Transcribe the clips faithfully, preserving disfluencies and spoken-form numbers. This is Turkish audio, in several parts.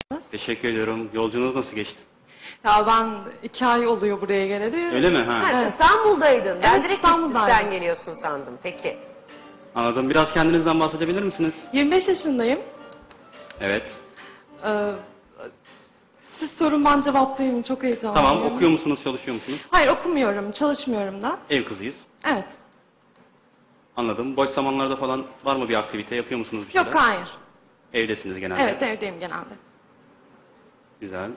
Teşekkür ediyorum. Yolculuğunuz nasıl geçti? Ya ben iki ay oluyor buraya geleli. Öyle mi? Ha. Ha, Evet. İstanbul'daydın. Ben Evet, direkt İstanbul'daydım. Bitlis'ten geliyorsun sandım. Peki. Anladım. Biraz kendinizden bahsedebilir misiniz? yirmi beş yaşındayım. Evet. Ee, siz sorun, ben cevaplayayım. Çok heyecanlıyım. Tamam. Okuyor musunuz, çalışıyor musunuz? Hayır, okumuyorum, çalışmıyorum da. Ev kızıyız. Evet. Anladım. Boş zamanlarda falan var mı bir aktivite? Yapıyor musunuz bir şeyler? Yok, hayır. Evdesiniz genelde. Evet, evdeyim genelde. Güzel.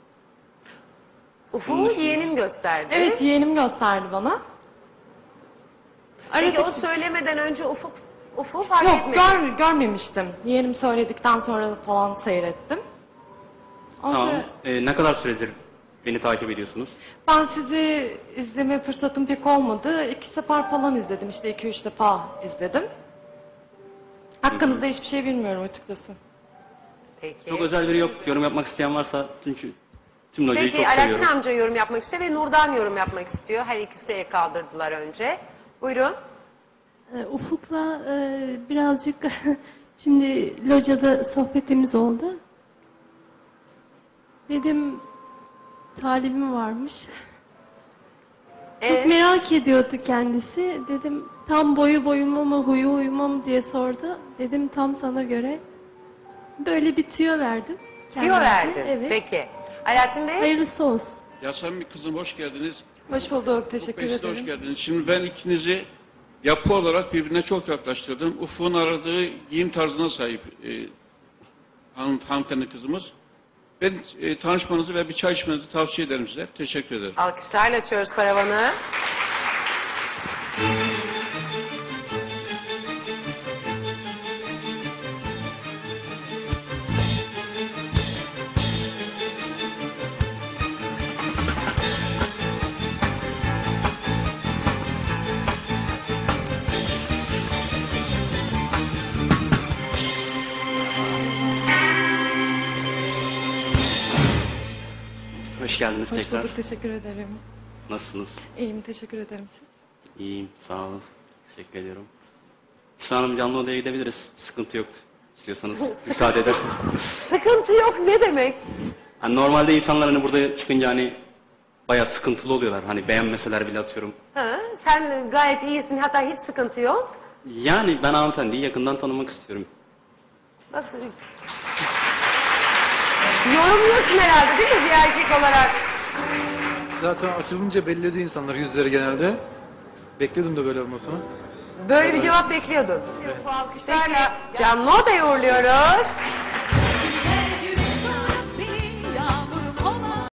Ufuk'u yeğenin gösterdi. Evet, yeğenim gösterdi bana. Peki Arada- o söylemeden önce Ufuk Ufuk'u fark Yok, etmedi. gör, görmemiştim. Yeğenim söyledikten sonra falan seyrettim. Ondan Tamam. sonra Ee, ne kadar süredir beni takip ediyorsunuz? ben sizi izleme fırsatım pek olmadı. İki sefer falan izledim. İşte iki üç defa izledim. Hakkınızda hiçbir şey bilmiyorum açıkçası. Peki. Çok özel biri yok. Yorum yapmak isteyen varsa çünkü tüm locayı Peki çok Alaaddin seviyorum. amca yorum yapmak istiyor ve Nurdan yorum yapmak istiyor. Her ikisi el kaldırdılar önce. Buyurun. Ee, Ufuk'la e, birazcık şimdi locada sohbetimiz oldu. Dedim talibim varmış. Çok Ee? merak ediyordu kendisi. Dedim tam boyu boyuma mı huyu huyuma mı diye sordu. Dedim tam sana göre. Böyle bir tüyo verdim. Tüyo kendimce. verdin. Evet. Peki. Alaaddin Bey. Hayırlısı olsun. Yasemin kızım hoş geldiniz. Hoş bulduk, teşekkür Ufuk Bey, siz de ederim. hoş geldiniz. Şimdi ben ikinizi yapı olarak birbirine çok yaklaştırdım. Ufuk'un aradığı giyim tarzına sahip e, hanım, hanımefendi kızımız. Ben e, tanışmanızı ve bir çay içmenizi tavsiye ederim size. Teşekkür ederim. Alkışlarla açıyoruz paravanı. Hoş geldiniz Hoş tekrar. bulduk, teşekkür ederim. Nasılsınız? İyiyim, teşekkür ederim siz. İyiyim. Sağ olun. Teşekkür ediyorum. Esra Hanım, canlı odaya gidebiliriz. Sıkıntı yok. İstiyorsanız müsaade ederseniz. Sıkıntı yok ne demek? Hani normalde insanlar hani burada çıkınca hani bayağı sıkıntılı oluyorlar. Hani beğenmeseler bile atıyorum. Ha, sen gayet iyisin, hatta hiç sıkıntı yok. Yani ben hanımefendiyi yakından tanımak istiyorum. Bak, yorumluyorsun herhalde değil mi bir erkek olarak? Zaten açılınca belli ediyor insanlar yüzleri genelde. Bekliyordum da böyle olmasını. Böyle bir cevap bekliyordun. Bu alkışlarla canlı odaya uğurluyoruz.